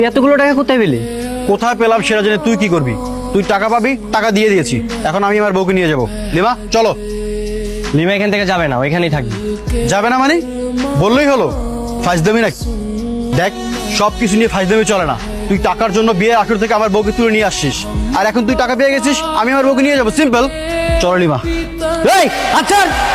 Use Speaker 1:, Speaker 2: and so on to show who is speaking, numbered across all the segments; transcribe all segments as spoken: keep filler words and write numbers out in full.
Speaker 1: এতগুলো টাকা কোথায় পেলি?
Speaker 2: কোথায় পেলাম সেটা জেনে তুই কি করবি? তুই টাকা পাবি, টাকা দিয়ে দিয়েছি, এখন আমি আমার বউকে নিয়ে যাবো। লিমা চলো।
Speaker 1: লিমা এখান থেকে যাবে না, ওইখানেই থাকবে।
Speaker 2: যাবে না মানে? বললেই হলো, ফাইজদামি নাকি? দেখ, সব কিছু নিয়ে ফাইজদামি চলে না। তুই টাকার জন্য বিয়ের আসর থেকে আমার বউকে তুলে নিয়ে আসছিস, আর এখন তুই টাকা পেয়ে গেছিস, আমি আমার বউকে নিয়ে যাবো। সিম্পল। চলো লিমা।
Speaker 1: এই আচ্ছা,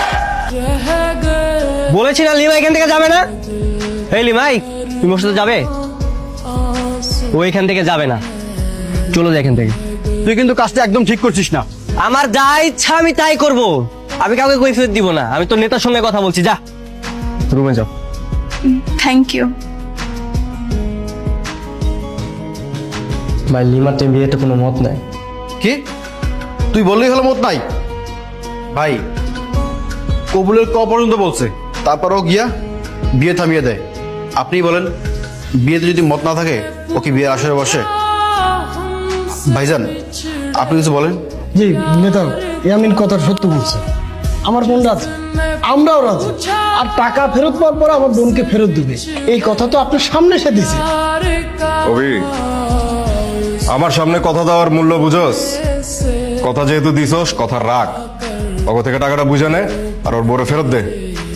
Speaker 1: বলেছি না লিমা এখান থেকে যাবে না। এই লিমাই, তুমি ওর সাথে যাবে? ও এখান থেকে যাবে না, চলো যা এখান থেকে।
Speaker 2: তুই কিন্তু কাজটা একদম ঠিক করছিস না।
Speaker 1: আমার যা ইচ্ছা আমি তাই করব, আমি কাউকে কৈফিয়ত দিব না। আমি তো নেতার সঙ্গে কথা বলছি, যা রুমে যাও।
Speaker 3: Thank you.
Speaker 1: ভাই লিমার তো বিয়েতে কোনো মত নাই।
Speaker 2: কি? তুই বললেই হলো মত নাই? ভাই, কবুলের ক পর্যন্ত বলছে, তারপরও গিয়া বিয়ে থামিয়ে দেয়। আপনি বলেন, বিয়েতে যদি মত না থাকে ও কি বিয়ের আসরে বসে? ভাইজান, আপনি কিছু বলেন।
Speaker 4: জি নেতা, ইয়ামিন কথা সত্য বলছে। আমার বোন রাজি, আমরাও রাজি। আর টাকা ফেরত পাওয়ার পর আমার বোনকে ফেরত দিবে, এই কথা তো আপনার সামনে এসে দিছে।
Speaker 5: অভি, আমার সামনে কথা দেওয়ার মূল্য বুঝোস? কথা যেহেতু দিছস, কথা রাখ। অগ থেকে টাকাটা বুঝে নে, আর ওর বড় ফেরত দে।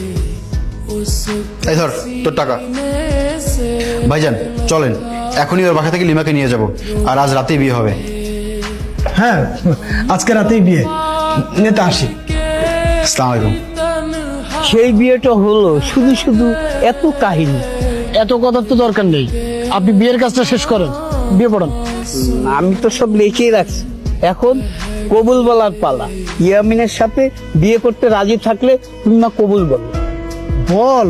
Speaker 2: এই ধর তোর টাকা। ভাইজান চলেন, এখনই ওর বাসা থেকে লিমাকে নিয়ে যাব, আর আজ রাতেই বিয়ে হবে।
Speaker 4: হ্যাঁ, আজকে রাতেই বিয়ে। নেতা আসি।
Speaker 2: আসসালামু আলাইকুম।
Speaker 6: সেই বিয়েটা হলো, শুধু শুধু এত কাহিনী।
Speaker 4: এত কথার তো দরকার নেই, আপনি বিয়ের কাজটা শেষ করেন, বিয়ে পড়ান।
Speaker 6: আমি তো সব লিখেই রাখছি, এখন কবুল বলার পালা। ইয়ামিনের সাথে বিয়ে করতে রাজি থাকলে তুমি না কবুল বলো।
Speaker 4: বল।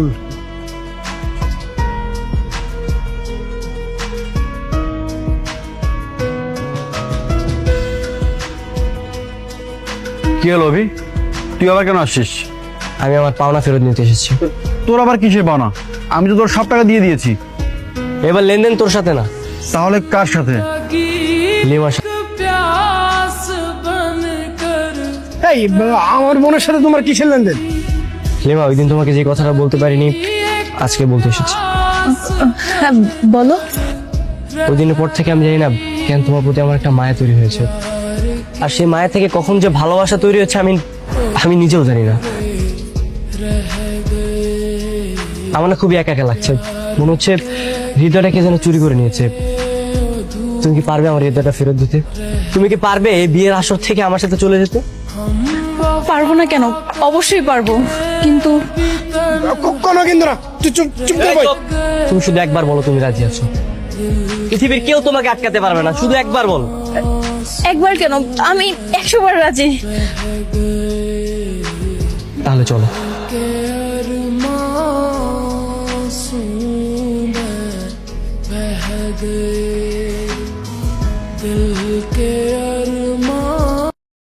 Speaker 2: কি হলো অভি, তুই আবার কেন আসছিস?
Speaker 1: আমি আমার পাওনা ফেরত নিতে এসেছি।
Speaker 2: তোর আবার কিসের পাওনা? আমি তো তোর সব টাকা দিয়ে দিয়েছি।
Speaker 1: এবার লেনদেন তোর সাথে না,
Speaker 2: তাহলে কার সাথে?
Speaker 1: লিমার সাথে।
Speaker 4: এই আমার বোনের সাথে তোমার কিসের লেনদেন?
Speaker 1: লিমা, ওই দিন তোমাকে যে কথাটা বলতে পারিনি, আজকে বলতে এসেছি।
Speaker 3: হ্যাঁ বলো।
Speaker 1: ওই দিনের পর থেকে আমি জানি না কেন তোমার প্রতি আমার একটা মায়া তৈরি হয়েছে, আর সেই মায়া থেকে কখন যে ভালোবাসা তৈরি হচ্ছে আমি আমি নিজেও জানি না। আমার না খুবই একা একা লাগছে, মনে হচ্ছে হৃদয়টাকে যেন চুরি করে নিয়েছে। তুমি কি পারবে আমার হৃদয়টা ফেরত দিতে? তুমি কি পারবে এই বিয়ের আসর থেকে আমার সাথে চলে যেতে?
Speaker 3: পারবো না কেন, অবশ্যই পারবো, কিন্তু
Speaker 4: কোনো কিন্তু না, তুই চুপ চুপ করে বল।
Speaker 1: তুমি শুধু একবার বলো তুমি রাজি আছো। পৃথিবীর কেউ তোমাকে আটকাতে পারবে না, শুধু একবার বল।
Speaker 3: একবার কেন, আমি একশো বার রাজি।
Speaker 1: তাহলে চলো।
Speaker 7: दिल के